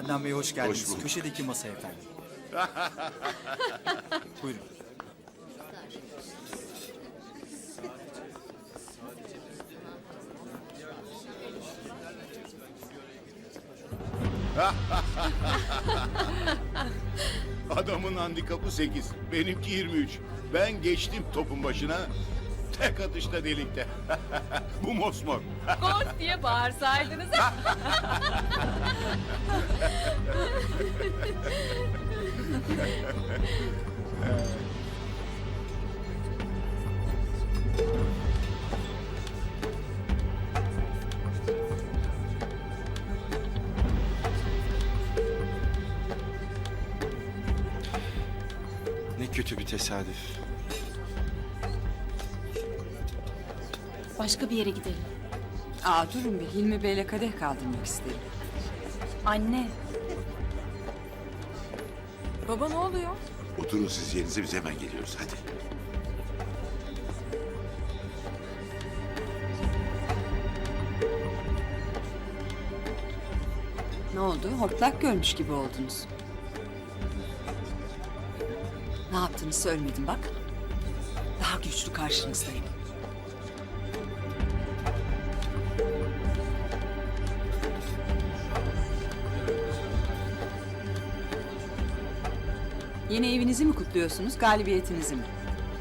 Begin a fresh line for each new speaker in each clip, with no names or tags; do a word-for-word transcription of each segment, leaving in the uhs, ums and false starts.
Adnan Bey hoş geldiniz.
Hoş bulduk.
Köşedeki masa efendim. Buyurun.
Adamın handikapı sekiz, benimki yirmi üç. Ben geçtim topun başına, tek atışta delikte. Bu mosmor.
Gol diye bağırsaydınız.
Ne kötü bir tesadüf.
Başka bir yere gidelim.
Aa durun bir, Hilmi Bey'le kadeh kaldırmak isterim.
Anne.
Baba ne oluyor?
Oturun siz yerinize, biz hemen geliyoruz hadi.
Ne oldu? Hortlak görmüş gibi oldunuz. Ne yaptığını söylemedim bak. Daha güçlü karşınızdayım. Yeni evinizi mi kutluyorsunuz, galibiyetinizi mi?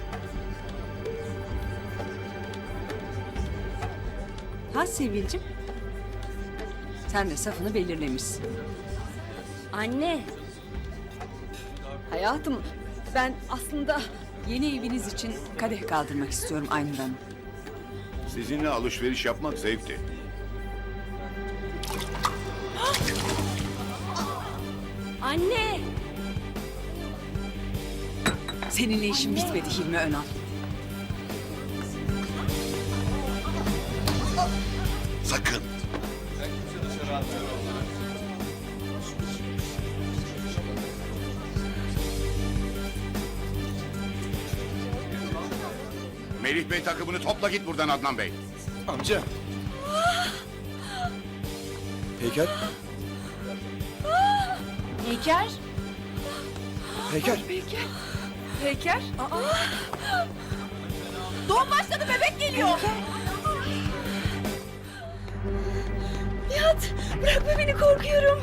Ha Sevilcim? Sen de safını belirlemişsin.
Anne. Hayatım, ben aslında...
Yeni eviniz için kadeh kaldırmak istiyorum Aynur Hanım.
Sizinle alışveriş yapmak zevkti.
Anne!
Seninle işim bitmedi Hilmi Önal.
Sakın.
Melih Bey takımını topla git buradan Adnan Bey.
Amca. Peyker.
Heyker.
Peyker.
Heyker. Aa. Doğum başladı, bebek geliyor. Nihat, bırakma beni, korkuyorum.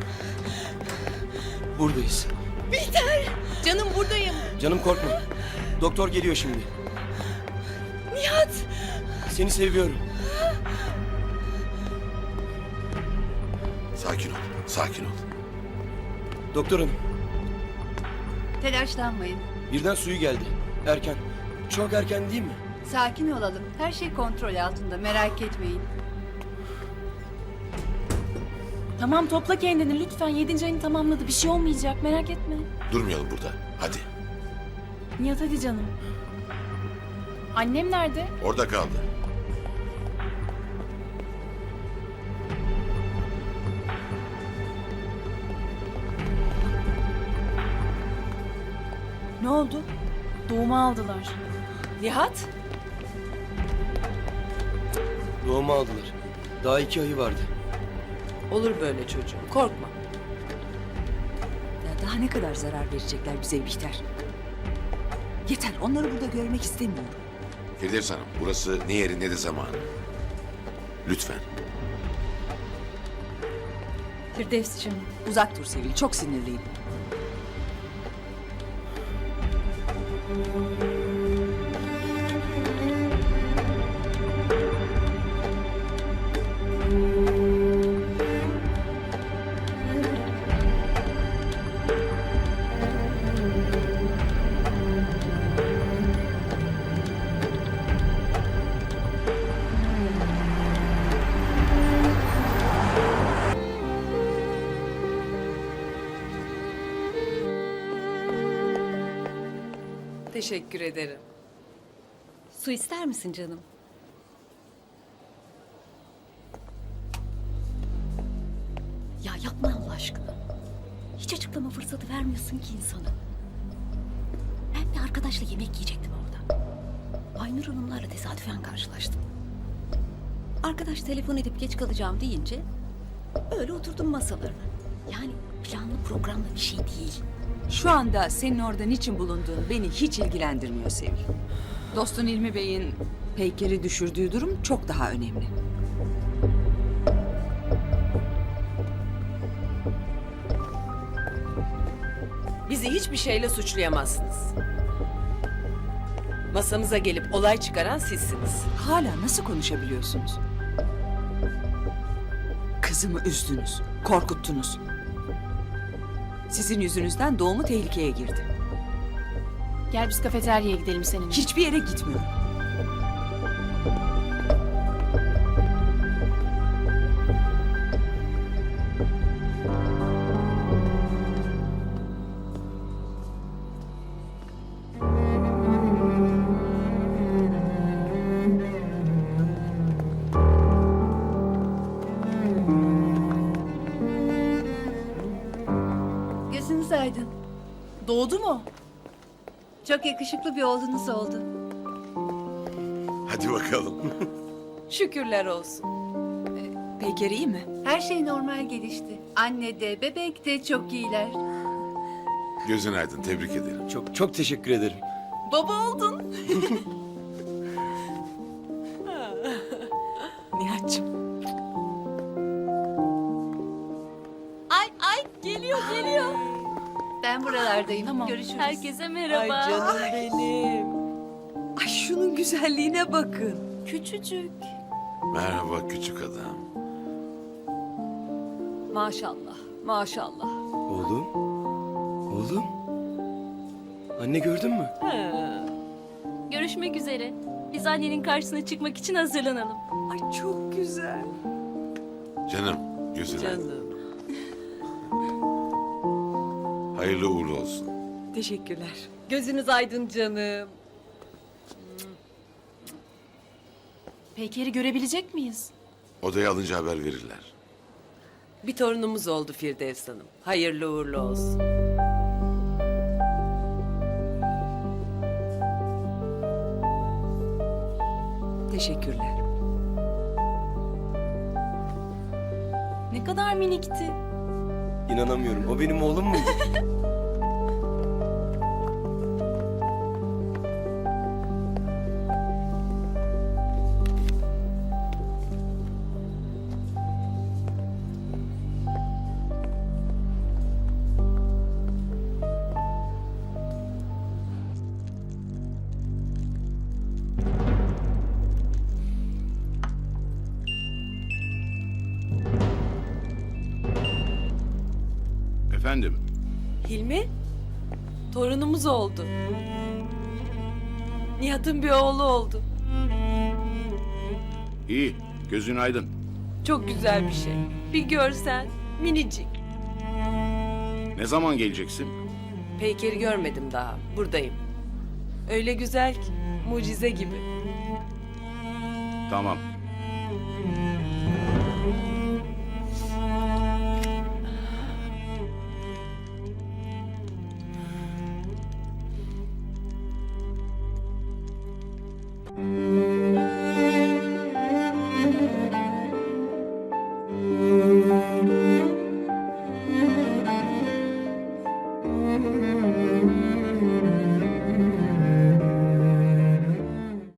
Buradayız.
Bihter. Canım buradayım.
Canım korkma. Doktor geliyor şimdi.
Nihat.
Seni seviyorum.
Sakin ol, sakin ol.
Doktor hanım,
Telaşlanmayın.
birden suyu geldi. Erken. Çok erken değil mi?
Sakin olalım. Her şey kontrol altında. Merak etmeyin.
Tamam, topla kendini lütfen. Yedinci ayını tamamladı. Bir şey olmayacak, merak etme.
Durmayalım burada, hadi.
Nihat hadi canım. Annem nerede?
Orada kaldı.
Ne oldu? Doğumu aldılar. Nihat?
Doğumu aldılar. Daha iki ayı vardı.
Olur böyle çocuğum, korkma. Ya daha ne kadar zarar verecekler bize Bihter? Yeter, onları burada görmek istemiyorum.
Firdevs Hanım, burası ne yeri ne de zamanı. Lütfen.
Firdevs'cim.
Uzak dur Sevil, çok sinirliyim. Teşekkür ederim.
Su ister misin canım? Ya yapma Allah aşkına. Hiç açıklama fırsatı vermiyorsun ki insana. Ben bir arkadaşla yemek yiyecektim orada. Aynur Hanımlarla tesadüfen karşılaştım. Arkadaş telefon edip geç kalacağım deyince öyle oturdum masalarına. Yani planlı programlı bir şey değil.
Şu anda senin orada niçin bulunduğun beni hiç ilgilendirmiyor Sevil. Dostun İlmi Bey'in Peyker'i düşürdüğü durum çok daha önemli.
Bizi hiçbir şeyle suçlayamazsınız. Masamıza gelip olay çıkaran sizsiniz.
Hala nasıl konuşabiliyorsunuz? Kızımı üzdünüz, korkuttunuz. Sizin yüzünüzden doğumu tehlikeye girdi.
Gel biz kafeteryaya gidelim seninle.
Hiçbir yere gitmiyorum.
Gözünüz aydın.
Doğdu mu?
Çok yakışıklı bir oğlunuz oldu.
Hadi bakalım.
Şükürler olsun.
Peyker iyi mi?
Her şey normal gelişti. Anne de bebek de çok iyiler.
Gözün aydın, tebrik ederim.
Çok çok teşekkür ederim.
Baba oldun.
Nihat'cığım.
Ay ay geliyor geliyor.
Ben buralardayım.
Tamam.
Görüşürüz.
Herkese merhaba.
Ay canım benim.
Ay şunun güzelliğine bakın.
Küçücük.
Merhaba küçük adam.
Maşallah, maşallah.
Oğlum. Oğlum. Anne gördün mü?
Görüşmek üzere. Biz annenin karşısına çıkmak için hazırlanalım.
Ay çok güzel.
Canım, gözün aydın.
Canım.
Hayırlı uğurlu olsun.
Teşekkürler.
Gözünüz aydın canım.
Peyker'i görebilecek miyiz?
Odaya alınca haber verirler.
Bir torunumuz oldu Firdevs Hanım. Hayırlı uğurlu olsun.
Teşekkürler.
Ne kadar minikti.
İnanamıyorum. O benim oğlum muydu?
Efendim,
Hilmi, torunumuz oldu. Nihat'ın bir oğlu oldu.
iyi, gözün aydın.
Çok güzel bir şey. Bir görsen, minicik.
Ne zaman geleceksin?
Peyker'i görmedim daha. Buradayım. Öyle güzel ki, mucize gibi.
Tamam,